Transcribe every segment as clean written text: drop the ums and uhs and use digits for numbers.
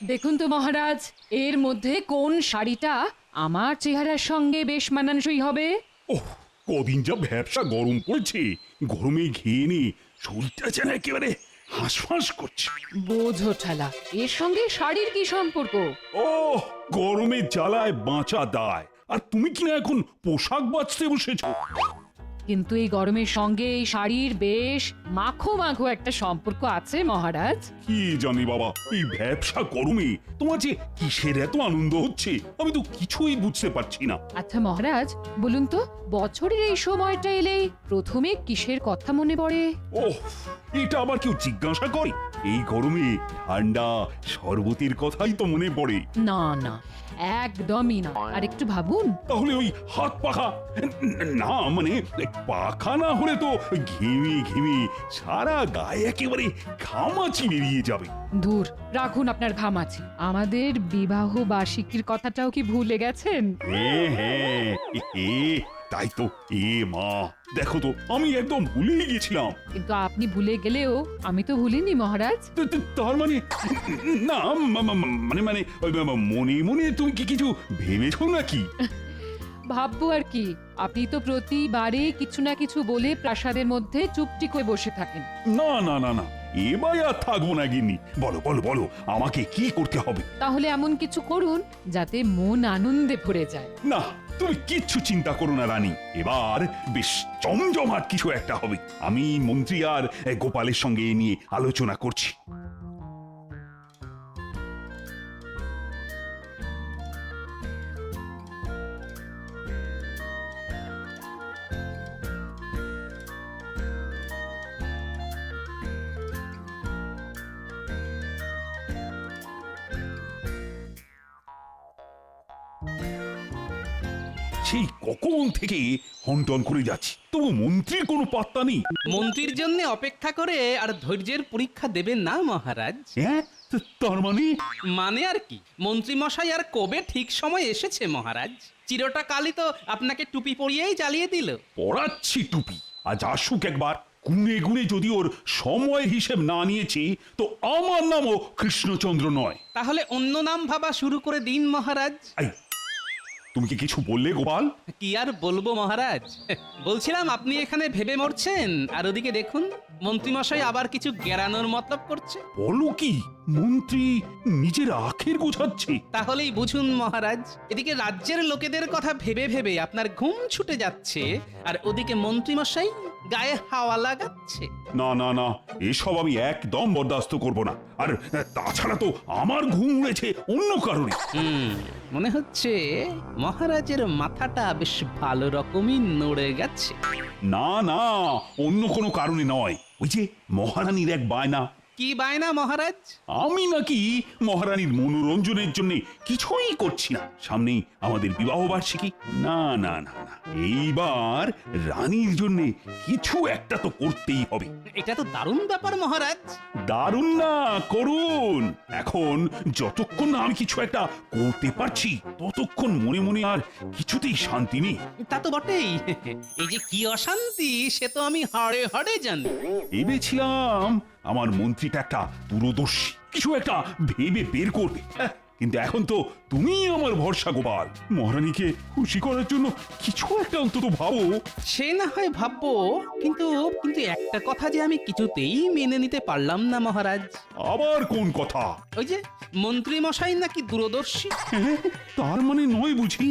দেখুন তো মহারাজ, এর মধ্যে কোন শাড়িটা আমার চেহারার সঙ্গে বেশ মানানসই হবে? ওহ, কদিন যা ব্যবসা গরম পড়ছে, গরমে ঘেয়ে নি শরীরটা যেন একেবারে হাঁসফাঁস করছে। বোঝো ঠালা, এর সঙ্গে শাড়ির কি সম্পর্ক? ও, গরমের জ্বালায় বাঁচা দায়, আর তুমি কিনা এখন পোশাক বাঁচতে বসেছো। কিন্তু এই গরমের সঙ্গে এই শাড়ির বেশ মাখো মাখো একটা সম্পর্ক আছে মহারাজ। কি জানি বাবা, এই ব্যবসা গরমে তোমার যে কিসের এত আনন্দ হচ্ছে আমি তো কিছুই বুঝতে পারছি না। আচ্ছা মহারাজ, বলুন তো বছরের এই সময়টা এলেই প্রথমে কিসের কথা মনে পড়ে? ওহ, এটা আবার কেউ জিজ্ঞাসা করে? এই গরমে ঠান্ডা শরবতের কথাই তো মনে পড়ে। না না, একদমই না। আর একটু ভাবুন। তাহলে ওই হাত পাখা, না মানে পাখা না হলে তো ঘেমে ঘেমে সারা গায়ে একেবারে ঘামাচি বেরিয়ে যাবে। দূর রাখুন আপনার ঘামাচি, আমাদের বিবাহ বার্ষিকীর কথাটাও কি ভুলে গেছেন? হ্যাঁ হ্যাঁ, তাই তো। এ মা, দেখো তো আমি একদম ভুলেই গেছিলাম। কিন্তু আপনি ভুলে গেলেও আমি তো ভুলিনি মহারাজ। তার মানে না, মানে মানে মনে মনে তুমি কি কিছু ভেবেছো নাকি? ভাববো আর কি, আপনি তো প্রতিবারে কিছু না কিছু বলে প্রাসাদের মধ্যে চুপটি করে বসে থাকেন। না না না না, এবার আর থাকবো না গিন্নি। বলো বলো বলো, আমাকে কি করতে হবে? তাহলে এমন কিছু করুন যাতে মন আনন্দে ভরে যায়। না, তুমি কিচ্ছু চিন্তা করো না রানী, এবার বেশ জমজমাট কিছু একটা হবে। আমি মন্ত্রী আর গোপালের সঙ্গে এ নিয়ে আলোচনা করছি। সেই কখন থেকে হন্টন করে যাচ্ছি, তবু মন্ত্রীর কোনো পাত্তা নেই। মন্ত্রীর জন্য অপেক্ষা করে আর ধৈর্যের পরীক্ষা দেবেন না মহারাজ। হ্যাঁ, তার মানে? মানে আর কি, মন্ত্রী মশাই আর কবে ঠিক সময় এসেছে মহারাজ। চিরটা কালই তো আপনাকে টুপি পরিয়েই জ্বালিয়ে দিল। পড়াচ্ছি টুপি, আজ আসুক একবার। গুনে গুনে যদি ওর সময় হিসেব না নিয়েছি তো আমার নামও কৃষ্ণচন্দ্র নয়। তাহলে অন্য নাম ভাবা শুরু করে দিন মহারাজ। এই, তুমি কি কিছু বললে গোপাল? কি আর বলবো মহারাজ, বলছিলাম আপনি এখানে ভেবে মরছেন আর ওদিকে দেখুন মন্ত্রীমশাই আবার কিছু গেরানোর মতলব করছে। বলো কি, মন্ত্রী নিজের আখের গোছাচ্ছে? তাহলেই বুঝুন মহারাজ, এদিকে রাজ্যের লোকেদের কথা ভেবে ভেবে আপনার ঘুম ছুটে যাচ্ছে আর ওদিকে মন্ত্রীমশাই গায়ে হাওয়া লাগাচ্ছে। না না না, এসব আমি একদম বরদাস্ত করব না। আর তাছাড়া তো আমার ঘুম উড়েছে অন্য কারণে। মনে হচ্ছে মহারাজের মাথাটা বেশ ভালো রকমই নড়ে গেছে। না না, অন্য কোনো কারণে নয়। ওই যে মহারানীর এক বায়না। কি বায়না মহারাজ? আমি নাকি মহারানীর মনোরঞ্জনের জন্য কিছুই করছি না। সামনেই আমাদের বিবাহ বার্ষিকী। না না না না, এইবার রানীর জন্য কিছু একটা তো করতেই হবে। এটা তো দারুণ ব্যাপার মহারাজ। দারুণ না, করুন। এখন যতক্ষণ না আমি কিছু একটা করতে পারছি ততক্ষণ মনে মনে আর কিছুতেই শান্তি নেই। তা তো বটেই, এই যে কি অশান্তি সে তো আমি হাড়ে হাড়ে জানি। ভেবেছিলাম আমার মন্ত্রীটা একটা দূরদর্শী, কিছু একটা ভেবে বের করবে। কিন্তু এখন তো তুমি আমার ভরসা গোপাল। মহারানীকে খুশি করার জন্য কিছু একটা অন্তত ভাবো। সে না হয় ভাববো, কিন্তু কিন্তু একটা কথা যে আমি কিছুতেই মেনে নিতে পারলাম না মহারাজ। আবার কোন কথা? ওই যে মন্ত্রী মশাই নাকি দূরদর্শী। তার মানে নয় বুঝি?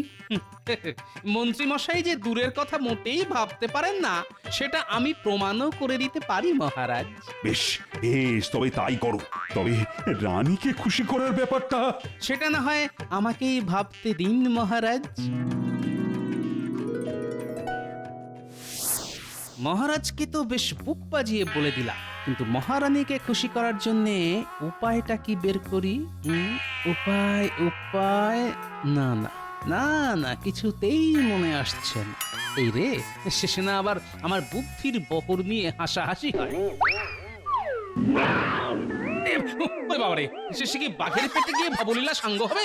মন্ত্রী মশাই যে দূরের কথা মোটেই ভাবতে পারেন না সেটা আমি প্রমাণও করে দিতে পারি মহারাজ। বেশ বেশ, তবে তাই করো। তবে রানীকে খুশি করার ব্যাপারটা সেটা না হয় আমাকেই ভাবতে দিন মহারাজ। মহারাজকে তো বেশ বুক বাজিয়ে বলে দিলাম, কিন্তু মহারানীকে খুশি করার জন্য উপায়টা কি বের করি? উপায় উপায় না না না না, কিছুতেই মনে আসছে না। এই রে, শেষে না আবার আমার বুদ্ধির বহর নিয়ে হাসাহাসি হয়। বাবারে, শেষে কি বাঘের পেটে গিয়ে ভবলীলা সাঙ্গ হবে?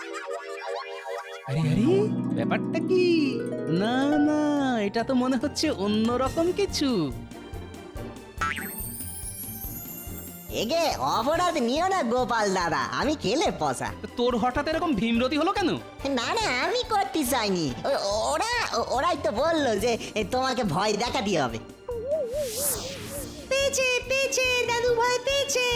আরে আরে, ব্যাপারটা কি? না না, এটা তো মনে হচ্ছে অন্যরকম কিছু। এগে অপরাধ নিও না গোপাল দাদা, আমি খেলে পসা। তো তোর হঠাৎ এরকম ভীমরতি হলো কেন? না না, আমি করতে চাইনি, ওরাই তো বললো যে তোমাকে ভয় দেখাতে হবে। পেয়েছে পেয়েছে দাদু ভয় পেয়েছে।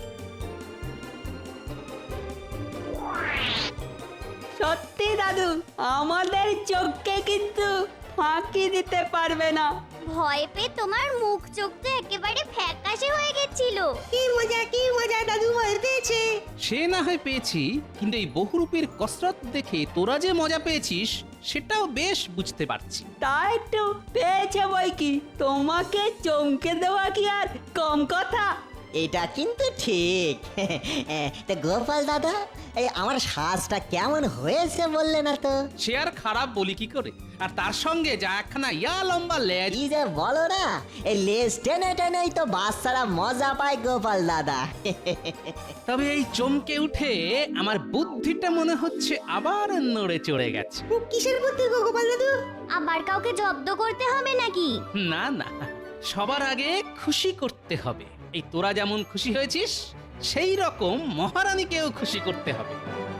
সত্যি দাদু, আমাদের চোখকে কিন্তু ফাঁকি দিতে পারবে না। ভয় পেয়ে তোমার মুখ চোখ তো একেবারে ফ্যাকাশে হয়ে গেছিল। কি মজা দাদু ভয় পেয়েছে। সে না হয় পেয়েছি, কিন্তু এই বহুরূপীর কসরত দেখে তোরা যে মজা পেয়েছিস সেটাও বেশ বুঝতে পারছি। তা একটু পেয়েছে বই কি, তোমাকে চমকে দেওয়া কি আর কম কথা? এটা কিন্তু ঠিক। তা গোপাল দাদা, এই আমার শ্বাসটা কেমন হয়েছে বললে না তো? সে আর খারাপ বলি কি করে, আর তার সঙ্গে যা একখানা লম্বা লেজ। কি যে বলো না, এই লেজ টেনে টেনেই তো বাচ্চারা মজা পায় গোপাল দাদা। তবে এই চমকে উঠে আমার বুদ্ধিটা মনে হচ্ছে আবার নড়ে চড়ে গেছে। কিসের বুদ্ধি গো গোপাল দাদু? আবার কাউকে জব্দ করতে হবে নাকি? না না, সবার আগে খুশি করতে হবে। এই তোরা যেমন খুশি হয়েছিস সেই রকম মহারানীকেও খুশি করতে হবে।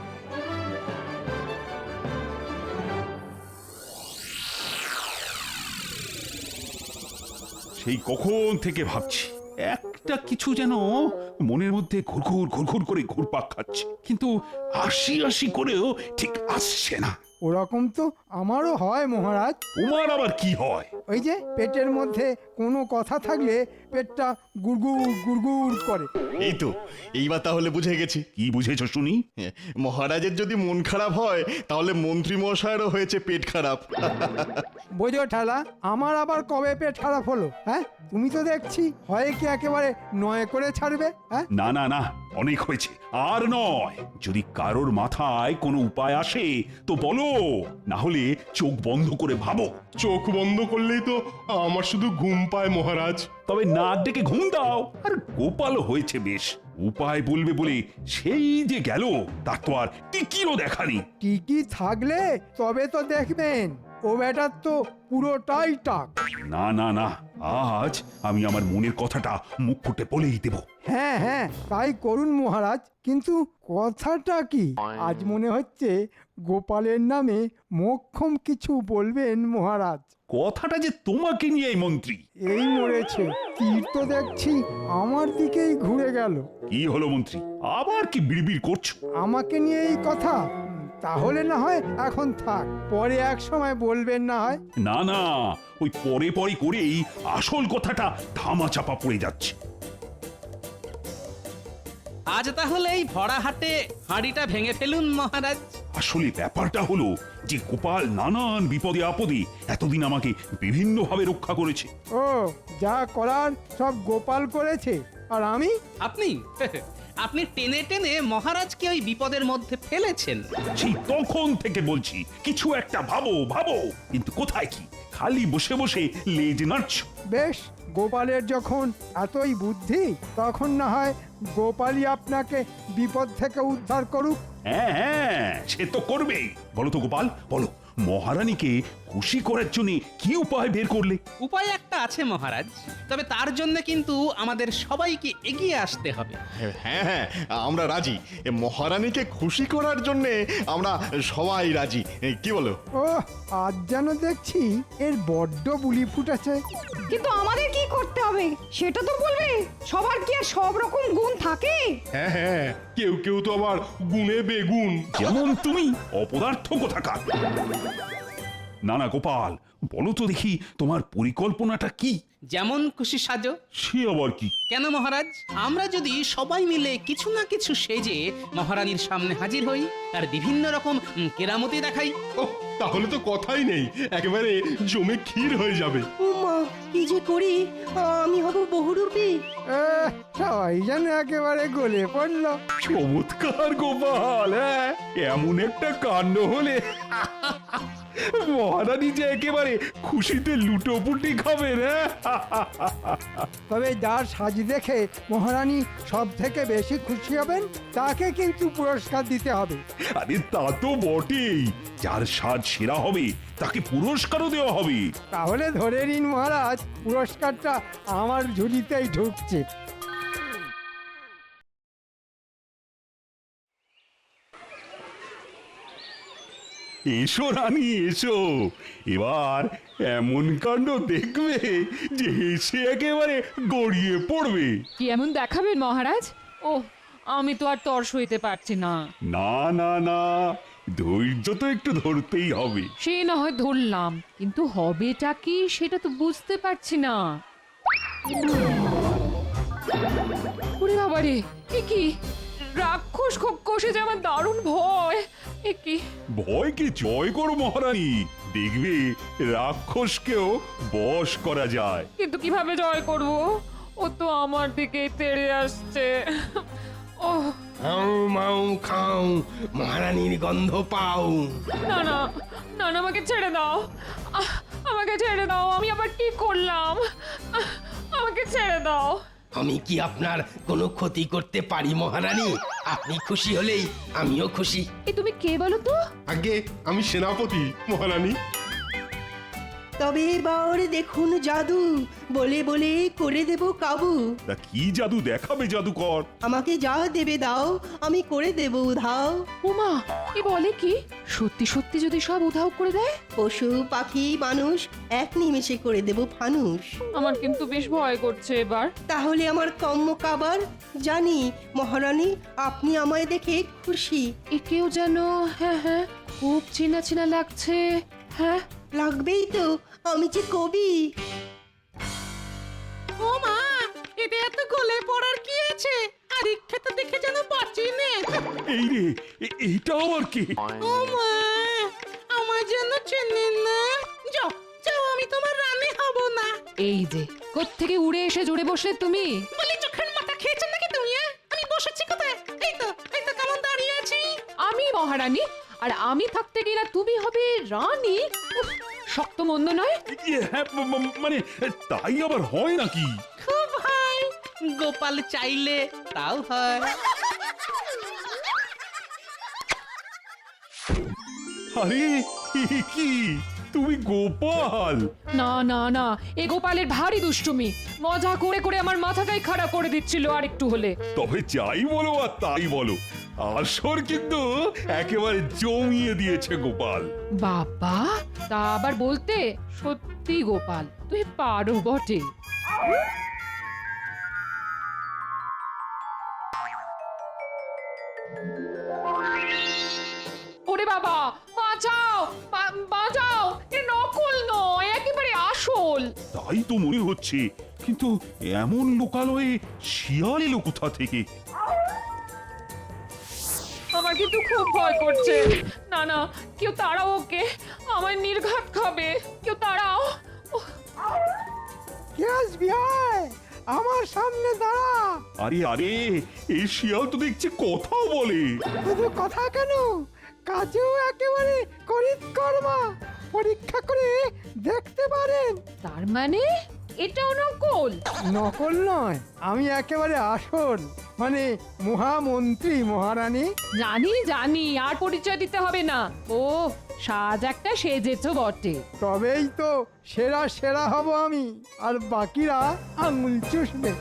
সেই কখন থেকে ভাবছি একটা কিছু যেন মনের মধ্যে ঘুরঘুর ঘুরঘুর করে ঘুরপাক খাচ্ছে, কিন্তু আশি আশি করেও ঠিক আসছে না। ওরকম তো আমারও হয় মহারাজ। তোমার আবার কি হয়? ওই যে পেটের মধ্যে কোনো কথা থাকলে পেটটা গুড়গুড় গুড়গুড় করে। এই তো, এইবার তাহলে বুঝে গেছি। কি বুঝেছ শুনি? মহারাজের যদি মন খারাপ হয় তাহলে মন্ত্রী মশাইয়েরও হয়েছে পেট খারাপ। বোঝো ঠেলা, আমার আবার কবে পেট খারাপ হলো? হ্যাঁ, তুমি তো দেখছি হয় কি একেবারে নয় করে ছাড়বে। হ্যাঁ, না না না, অনেক হয়েছে, আর নয়। যদি কারোর মাথায় কোনো উপায় আসে তো বলো, না হলে চোখ বন্ধ করে ভাবো। চোখ বন্ধ করলেই তো আমার শুধু ঘুম পায় মহারাজ। তবে নাক ডেকে ঘুম দাও। আর গোপাল হয়েছে বেশ, উপায় বলবে বলে সেই যে গেল, তার তো আর টিকিও দেখানি। টিকি থাকলে তবে তো দেখবেন, ও বেটার তো পুরোটাই টাক। না না না, আজ আমি আমার মনের কথাটা মুখ ফুটে বলেই দেব। হ্যাঁ হ্যাঁ, তাই করুন মহারাজ। কিন্তু কথাটা কি? আজ মনে হচ্ছে গোপালের নামে মোক্ষম কিছু বলবেন মহারাজ। কথাটা যে তোমাকে নিয়ে মন্ত্রী। এই মরেছে, তীর তো দেখছি আমার দিকেই ঘুরে গেল। কি হলো মন্ত্রী, আবার কি বিড়বিড় করছো? আমাকে নিয়ে এই কথা? তাহলে না হয় এখন থাক, পরে এক সময় বলবেন না হয়। না না, ওই পরে পরে করেই আসল কথাটা ধামা চাপা পড়ে যাচ্ছে। আজ তাহলে এই ভরা হাটে হাঁড়িটা ভেঙে ফেলুন মহারাজ। আসলে ব্যাপারটা হলো যে গোপাল নানান বিপদে আপদে এতদিন আমাকে বিভিন্নভাবে রক্ষা করেছে। ও, যা করার সব গোপাল করেছে, আর আমি? আপনি আপনি টেনে টেনে মহারাজকে ওই বিপদের মধ্যে ফেলেছেন। সেই তখন থেকে বলছি কিছু একটা ভাবো ভাবো, কিন্তু কোথায় কি, খালি বসে বসে লেজ নাড়ছো। বেশ, গোপালের যখন এতই বুদ্ধি, তখন না হয় গোপালই আপনাকে বিপদ থেকে উদ্ধার করুক। হ্যাঁ হ্যাঁ, সে তো করবেই। বলো তো গোপাল, বলো, মহারানীকে খুশি করার জন্য কি উপায় বের করলে? উপায় একটা আছে মহারাজ, তবে তার জন্য কিন্তু আমাদের সবাইকে এগিয়ে আসতে হবে। হ্যাঁ হ্যাঁ, আমরা রাজি। মহারানীকে খুশি করার জন্য আমরা সবাই রাজি। কি বলো? ও, আজ যেন দেখছি এর বড্ড বুলি ফুটেছে। কিন্তু আমাদের কি করতে হবে সেটা তো বলবে। সবার কি আর সব রকম গুণ থাকে? হ্যাঁ হ্যাঁ, কেউ কেউ তো আবার গুণে বেগুন। যেমন তুমি, অপদার্থ কোথাকার। না না গোপাল, বলো তো দেখি তোমার পরিকল্পনাটা কি? যেমন খুশি সাজো। সে আবার কি? কেন মহারাজ, আমরা যদি সবাই মিলে কিছু না কিছু সেজে মহারানীর সামনে হাজির হই আর বিভিন্ন রকম কেরামতি দেখাই। ও, তাহলে তো কথাই নেই, একেবারে জমে ক্ষীর হয়ে যাবে। মা, কি যে করি, আমি হব বহুরূপী। সবাই যেন একেবারে গলে পড়লো। চমৎকার গোপাল, হ্যাঁ, এমন একটা কাণ্ড হলে মহারানী যে একেবারে খুশিতে লুটোপুটি খাবেন। তবে যার সাজ দেখে মহারানী সব থেকে বেশি খুশি হবেন, তাকে কিন্তু পুরস্কার দিতে হবে। আরে তা তো বটেই, যার সাজ সেরা হবে তাকে পুরস্কারও দেওয়া হবে। তাহলে ধরে নিন মহারাজ, পুরস্কারটা আমার ঝুলিতেই ঢুকছে। এসো রানী এসো, এবার এমন কাণ্ড দেখবে যে হেসে একেবারে গড়িয়ে পড়বে। কি এমন দেখাবেন মহারাজ? ও, আমি তো আর তর সইতে পারছি না। না না না, ধৈর্য তো একটু ধরতেই হবে। সে না হয় ধরলাম, কিন্তু হবেটা কি সেটা তো বুঝতে পারছি না। ওরে বাবারে, এ কি রাক্ষস কষে যে আমার দারুণ ভয়। এ কি ভয়কে জয় করো মহারানী, দেখবে রাক্ষসকেও বশ করা যায়। কিন্তু কিভাবে জয় করব? ও তো আমার দিকে তেড়ে আসছে। ও হাউ মাউ খাও, মহারানীর গন্ধ পাও। না না না না, আমাকে ছেড়ে দাও, আমাকে ছেড়ে দাও। আমি আবার কি করলাম? আমাকে ছেড়ে দাও। আমি কি আপনার কোনো ক্ষতি করতে পারি মহারানী? আপনি খুশি হলেই আমিও খুশি। এ তুমি কে বলো তো? আগে আমি সেনাপতি মহারানী। তবে এবার দেখুন জাদু, বলে বলে করে দেব কাবু। তা কি জাদু দেখাবে জাদুকর? আমাকে যা দেবে দাও, আমি করে দেব উধাও। উমা, এ বলে কি? সত্যি সত্যি যদি সব উধাও করে দেয়? পশু পাখি মানুষ এক নিমেষে করে দেব ফানুষ। আমার কিন্তু বেশ ভয় করছে এবার। তাহলে আমার কম্ম কাবার, জানি মহারানী আপনি আমায় দেখে খুশি। একেও যেন হ্যাঁ হ্যাঁ খুব চেনা চেনা লাগছে। হ্যাঁ লাগবেই তো, আমি যে কবি। ও মা, এতে এত গলে পড়ার কি আছে? আর ইচ্ছাটা দেখে যেন বাঁচি নে। এই রে, এইটা আবার কে? ও মা, আমার জন্য চেনেন না? যাও যাও, আমি তোমার রানী হব না। এই যে কোত্থেকে উড়ে এসে জুড়ে বসলে তুমি? বলি চোখের মাথা খেয়েছেন নাকি তুমি? আমি বসেছি কোথায়? এই তো কেমন দাঁড়িয়ে আছি। আমি মহারানী, আর আমি থাকতে গেলে তুমি হবে রানী? উফ, শক্ত মন্দ নয়। হ্যাঁ, মানে তাই আবার হয় নাকি? খুব হয়। গোপাল চাইলে তাও হয়। আরে এ কি, তুমি গোপাল? না না না, এ গোপালের ভারী দুষ্টুমি। মজা করে করে আমার মাথাটাই খারাপ করে দিচ্ছিল আর একটু হলে। তবে যাই বলো আর তাই বলো, আসর কিন্তু একেবারে জমিয়ে দিয়েছে গোপাল। বাবা, তা আবার বলতে? সত্যি গোপাল, তুই পারো বটে। ওরে বাবা, বাঁচাও, বাঁচাও! এ নকল নয়, একেবারে আসল। তাই তো মনে হচ্ছে, কিন্তু এমন লোকালয়ে শিয়াল এলো কোথা থেকে? আমার কিন্তু খুব ভয় করছে। না না, কেউ তাড়াও ওকে, আমার নির্ঘাত খাবে। কেউ তাড়াও। কে আসবি আয়, আমার সামনে দাঁড়া। আরে আরে, এই শিয়াল তো দেখছি কথাও বলে। শুধু কথা কেন, কাজেও একেবারে করিতকর্মা। পরীক্ষা করে দেখতে পারেন। তার মানে এটাও নকল? নকল নয়, আমি একেবারে আসল, মানে মহামন্ত্রী মহারানী। জানি জানি, আর পরিচয় দিতে হবে না। ও, সাজ একটা সেজেছ বটে। তবেই তো সেরা সেরা হব আমি, আর বাকিরা আঙুল চুষবে।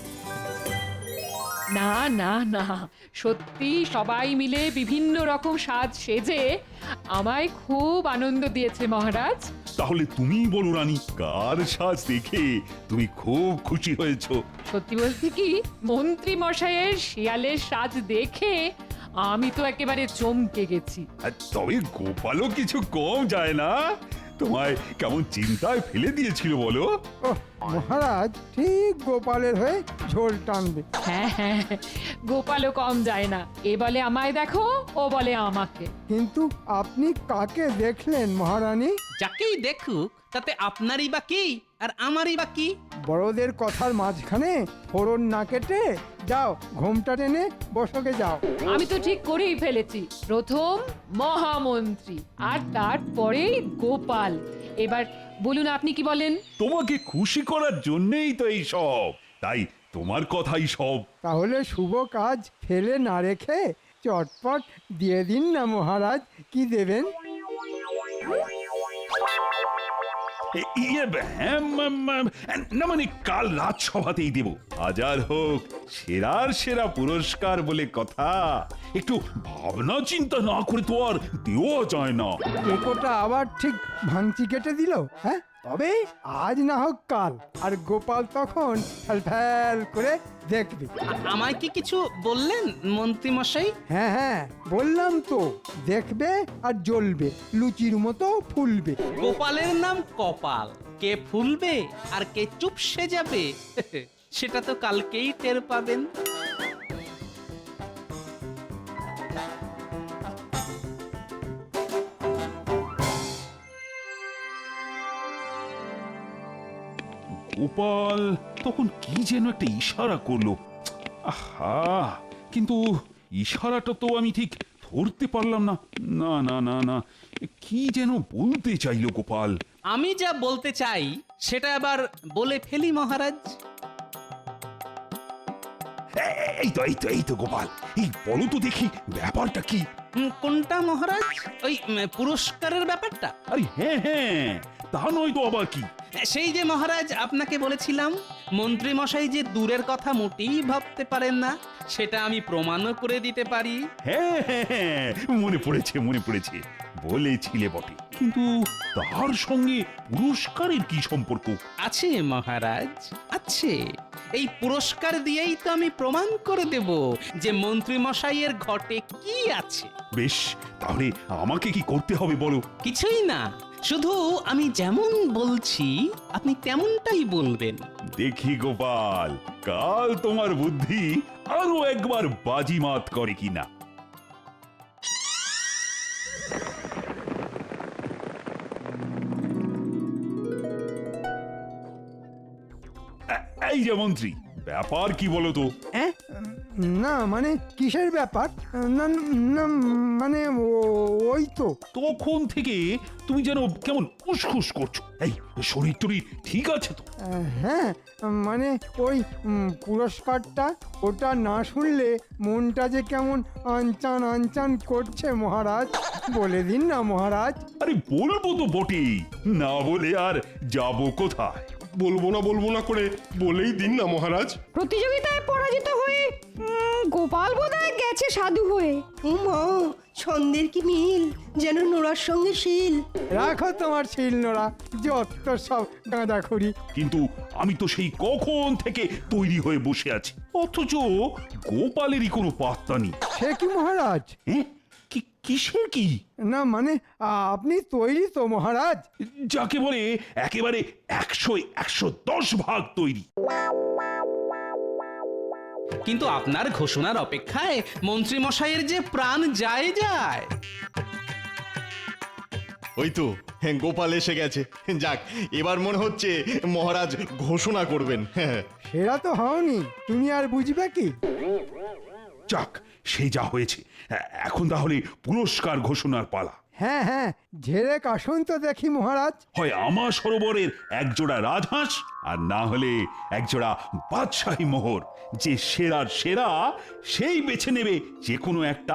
না না না, সত্যি সবাই মিলে বিভিন্ন রকম সাজ সেজে আমায় খুব আনন্দ দিয়েছে মহারাজ। তাহলে তুমি বলো রানী, কার সাজ দেখে তুমি খুব খুশি হয়েছো? সত্যি বলতে কি, মন্ত্রী মশাইয়ের শিয়ালের সাজ দেখে আমি তো একেবারে চমকে গেছি। আর তবে গোপালও কিছু কম যায় না, তোমায় কেমন চিন্তায় ফেলে দিয়েছিল বলো? ওহ, মহারাজ ঠিক গোপালের হয়ে ঝোল টানবে। হ্যাঁ হ্যাঁ, গোপালও কম যায় না। এ বলে আমায় দেখো, ও বলে আমাকে। কিন্তু আপনি কাকে দেখলেন মহারানী? যাকেই দেখুক তাতে আপনারই বা কি আর আমারই বা কি? বড়দের কথার মাঝখানে ফোড়ন না কেটে যাও, ঘোমটা টেনে বসকে যাও। আমি তো ঠিক করেই ফেলেছি, প্রথম মহামন্ত্রী আর তারপরেই গোপাল। এবার বলুন আপনি কি বলেন? তোমাকে খুশি করার জন্যই তো এই সব, তাই তোমার কথাই সব। তাহলে শুভ কাজ ফেলে না রেখে চটপট দিয়ে দিন না মহারাজ, কি দেবেন? হ্যাঁ, না মানে কাল রাজসভাতেই দেব। হাজার হোক সেরার সেরা পুরস্কার বলে কথা, একটু ভাবনা চিন্তা না করে তো আর দেওয়া যায় না। টেকোটা আবার ঠিক ভাঙচি কেটে দিল। হ্যাঁ, তবে আজ না হোক কাল, আর গোপাল তখন ফ্যাল করে দেখবে। আমায় কি কিছু বললেন মন্ত্রী মশাই? হ্যাঁ হ্যাঁ, বললাম তো, দেখবে আর জ্বলবে, লুচির মতো ফুলবে। গোপালের নাম কপাল, কে ফুলবে আর কে চুপসে যাবে সেটা তো কালকেই টের পাবেন। গোপাল তখন কি যেন একটা ইশারা করলো। আহা, কিন্তু ইশারাটা তো আমি ঠিক ধরতে পারলাম না। না না না না, কি যেন বলতে চাইলো গোপাল। আমি যা বলতে চাই সেটা আবার বলে ফেলি মহারাজ। এই তো গোপাল, এই বলো তো দেখি ব্যাপারটা কি? কোনটা মহারাজ? ওই পুরস্কারের ব্যাপারটা? আরে হ্যাঁ হ্যাঁ, তা নয় তো আবার কি? সেই যে মহারাজ আপনাকে বলেছিলাম মন্ত্রী মশাই যে দূরের কথা মোটেই ভাবতে পারেন না, সেটা আমি প্রমাণও করে দিতে পারি। হ্যাঁ হ্যাঁ হ্যাঁ, মনে পড়েছে, বলেছিলে বটে, কিন্তু তার সঙ্গে পুরস্কারের কি সম্পর্ক? আছে মহারাজ, আছে। এই পুরস্কার দিয়েই তো আমি প্রমাণ করে দেব যে মন্ত্রী মশাইয়ের ঘটে কি আছে। বেশ, তাহলে আমাকে কি করতে হবে বলো? কিছুই না, শুধু আমি যেমন বলছি আপনি তেমনটাই বলবেন। দেখি গোপাল, কাল তোমার বুদ্ধি আরো একবার বাজিমাত করে কিনা। এই যে মন্ত্রী, ব্যাপার কি বলো তো? না মানে কিসের ব্যাপার? না না মানে ওই তো তখন থেকে তুমি যেন কেমন উসখুস করছো। এই শরীর টরীর ঠিক আছে তো? হ্যাঁ, মানে ওই পুরস্কারটা, ওটা না শুনলে মনটা যে কেমন আনচান আনচান করছে মহারাজ। বলে দিন না মহারাজ। আরে বলবো তো বটেই, না বলে আর যাবো কোথায়? বলবো না করে বলেই দিন না মহারাজ। প্রতিযোগিতায় পরাজিত হয়ে গোপাল বোধহয় গেছে সাধু হয়ে। ছন্দের কি মিল, যেন নোড়ার সঙ্গে শিল। রাখো তোমার শিল নোড়া, যত সব গাঁদাখড়ি। কিন্তু আমি তো সেই কখন থেকে তৈরি হয়ে বসে আছি, অথচ গোপালেরই কোনো পাত্তা নেই। সে কি মহারাজ? কিসের কি? না মানে আপনি তৈরি তো মহারাজ? যাকে বলে একেবারে 100-110 ভাগ তৈরি। কিন্তু আপনার ঘোষণার অপেক্ষায় মন্ত্রী মশাইয়ের যে প্রাণ যায়। ওই তো গোপাল এসে গেছে। যাক, এবার মনে হচ্ছে মহারাজ ঘোষণা করবেন। সেটা তো হওনি, তুমি আর বুঝবে কি? যাক, সে যা হয়েছে, এখন তাহলে পুরস্কার ঘোষণার পালা। হ্যাঁ হ্যাঁ, ঝেড়ে কাশুন তো দেখি মহারাজ। হয় আমার সরোবরের একজোড়া রাজহাঁস, আর না হলে একজোড়া বাদশাহী মোহর। যে সেরার সেরা সেই বেছে নেবে যে কোনো একটা।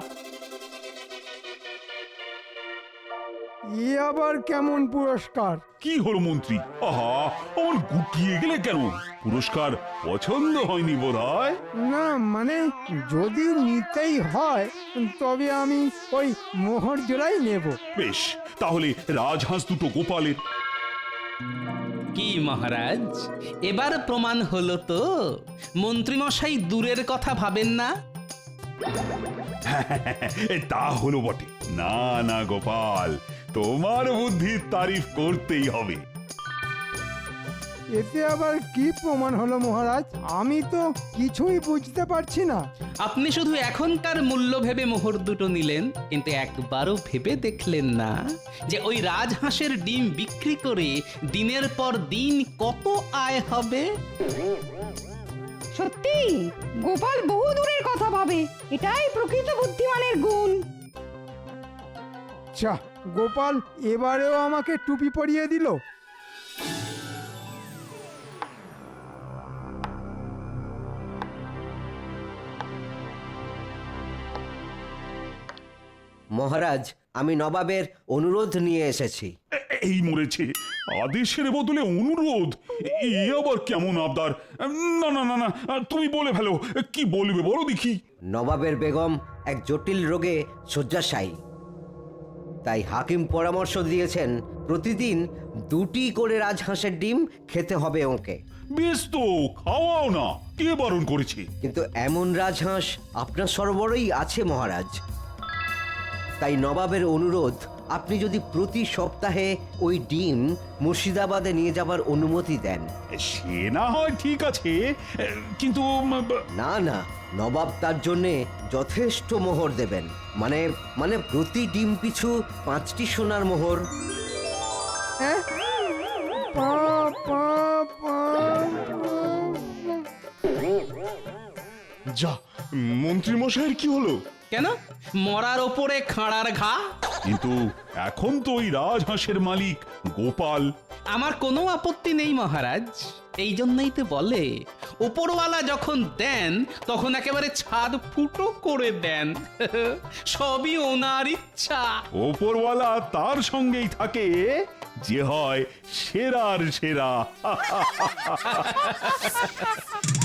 ই আবার কেমন পুরস্কার? কি হলো মন্ত্রী? আহা, আমার গুটিয়ে গেলে কেন? পুরস্কার পছন্দ হয়নি বোধহয়? না মানে যদি নিতেই হয় তবে আমি ওই মোহর জোড়াই নেব। বেশ, তাহলে রাজহাঁস দুটো গোপালের। কি মহারাজ, এবার প্রমাণ হলো তো মন্ত্রী মশাই দূরের কথা ভাবেন না। তা হলো বটে। না না গোপাল, তোমার বুদ্ধির তারিফ করতেই হবে। এতে আবার কি প্রমাণ হলো মহারাজ? আমি তো কিছুই বুঝতে পারছি না। আপনি শুধু এখনকার মূল্য ভেবে মোহর দুটো নিলেন, কিন্তু একবারও ভেবে দেখলেন না যে ওই রাজহাঁসের ডিম বিক্রি করে দিনের পর দিন কত আয় হবে। সত্যি গোপাল বহু দূরের কথা ভাবে, এটাই প্রকৃত বুদ্ধিমানের গুণ। চা, গোপাল এবারেও আমাকে টুপি পরিয়ে দিল। মহারাজ, আমি নবাবের অনুরোধ নিয়ে এসেছি। এই মরেছে। আদেশের বদলে অনুরোধ, এ আবার কেমন আবদার? না না না না, তুমি বলে ফেলো, কি বলবে বলো দেখি। নবাবের বেগম এক জটিল রোগে শয্যাশায়ী, তাই হাকিম পরামর্শ দিয়েছেন প্রতিদিন 2টি করে রাজহাঁসের ডিম খেতে হবে ওকে। বেশ তো, খাওয়াও না, কে বারণ করেছে? কিন্তু এমন রাজহাঁস আপনার সরবরাহই আছে মহারাজ। তাই নবাবের অনুরোধ, আপনি যদি প্রতি সপ্তাহে ওই ডিম মুর্শিদাবাদে নিয়ে যাবার অনুমতি দেন। সে না হয় ঠিক আছে, কিন্তু না না, নবাব তার জন্যে যথেষ্ট মোহর দেবেন, মানে মানে প্রতি ডিম পিছু 5টি সোনার মোহর। হ্যাঁ? পা, পা, পা। যা, মন্ত্রী মশাইয়ের কি হলো? কেন মরার ওপরে খাঁড়ার ঘা? কিন্তু এখন তো ওই রাজহাঁসের মালিক গোপাল। আমার কোনো আপত্তি নেই মহারাজ, এই জন্যই তো বলে ওপরওয়ালা যখন দেন তখন একেবারে ছাদ ফুটো করে দেন। সবই ওনার ইচ্ছা। ওপরওয়ালা তার সঙ্গেই থাকে যে হয় সেরার সেরা।